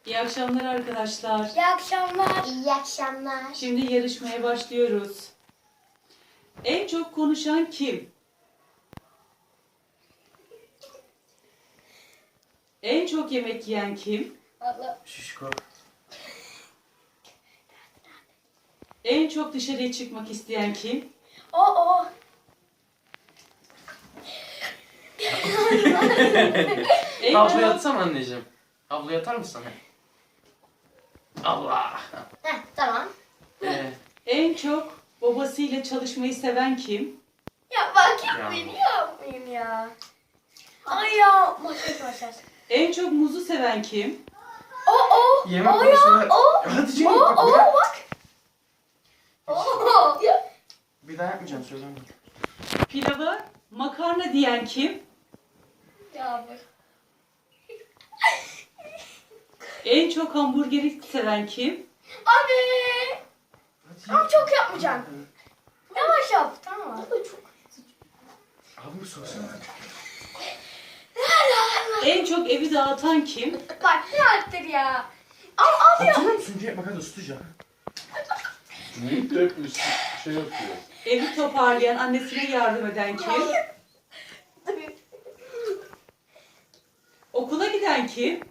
İyi akşamlar arkadaşlar. İyi akşamlar. İyi akşamlar. Şimdi yarışmaya başlıyoruz. En çok konuşan kim? En çok yemek yiyen kim? Allah. Şişko. En çok dışarıya çıkmak isteyen kim? O. En Havlu çok, yatsana anneciğim. Havlu yatar mısın? Allah. Tamam. en çok babasıyla çalışmayı seven kim? Ya bak yapmayın ya. Ay ya. Maşallah. En çok muzu seven kim? O. Yemek O ya. konusunda... O. Hadi canım. O. bak, O bak. bak. O. Ya. Bir daha yapmayacağım, söyleme. Pilava makarna diyen kim? Ya bak. En çok hamburgeri seven kim? Abi. Hadi. Ama çok yapmayacaksın. Yavaş yap. Tamam. Abi sorsana. En çok evi dağıtan kim? Bak ne arttır ya. Al ya. Oturur musun? Bak hadi ısıtacağım. Büyük de hep şey yapıyor. Evi toparlayan, annesine yardım eden kim? Okula giden kim?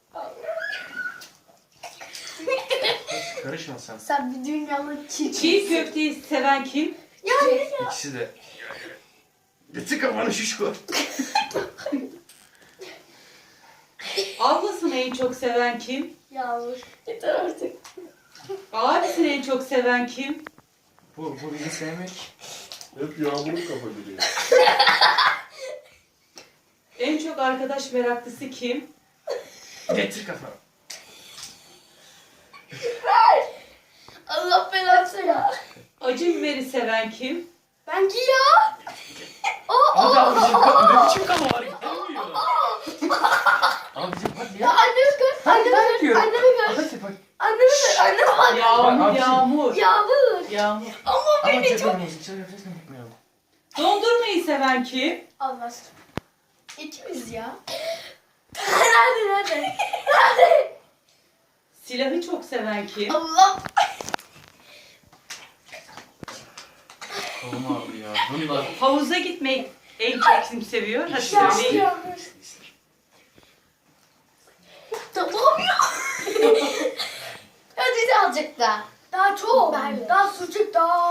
Karışma sen. Sen bir dünyalı Çiğ köfteyi seven kim? İkisi de. Getir kafanı şişko. Ablasını en çok seven kim? Yağmur. Yeter artık. Abisini en çok seven kim? Bu bizi sevmek. Hep yağmurun kafa giriyor. En çok arkadaş meraklısı kim? Getir kafanı. Allah belanı ya. Acı biberi seven kim? Bence ya. Hadi abicim, ne biçim kafa var? Gelmiyor. Abicim hadi Ya ya. annemi gör. Hadi Annemi ben gör. yapıyorum. Annemi gör. Hadi bak. Annemi gör. Anneme bak. Yağmur, Abisi- yağmur. Yağmur. Yağmur. Ama Ama beni çok... çekmemiz için nefes yapmayalım. Dondurmayı seven kim? Olmaz. İkimiz ya. Hadi. Hadi. Silahı çok seven kim? Allah. Oğlum abi ya. Bunlar. Havuza gitmeyi en çok kim seviyor? Hadi İşte. söyleyin. Yağmur. Tamam ya. Hadi de azıcık daha. Daha çok. Daha sucuk daha.